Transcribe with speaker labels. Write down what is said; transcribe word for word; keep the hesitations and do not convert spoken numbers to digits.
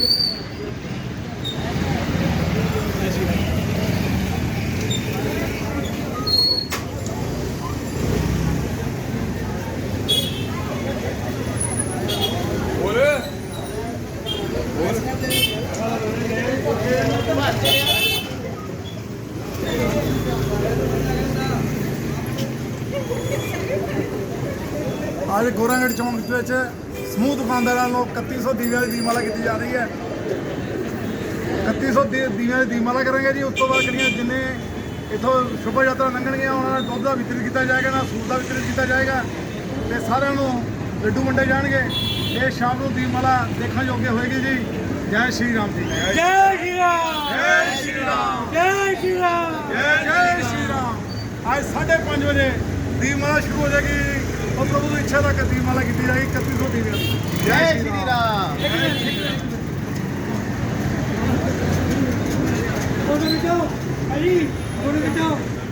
Speaker 1: आज गोरागढ़ चौंक विच समूह दुकानदारों को इकत्ती सौ दीविया की दीपमाला की जा रही है। इकत्ती सौ दीविया की दीपमाला करेंगे जी। उस तो बाद करिए जिन्हें इतों शोभा यात्रा लंघणगियां उन्होंने दुध का वितरित किया जाएगा, ना सूट का वितरित किया जाएगा तो सारे लड्डू वंडे जाएंगे। ये शाम को दीपमाला देखने योग्य होएगी जी। जय श्री राम जी।
Speaker 2: जय श्री राम।
Speaker 1: जय श्री राम।
Speaker 2: जय श्री राम।
Speaker 1: जय जय श्री राम। आज साढ़े पाँच बजे दीपमाला शुरू हो जाएगी और प्रभु की इच्छा तक दीपमाला की जाएगी इकतीस सौ दीविया।
Speaker 3: जय श्री राम।
Speaker 2: फोटो खिंचाओ अली, फोटो खिंचाओ।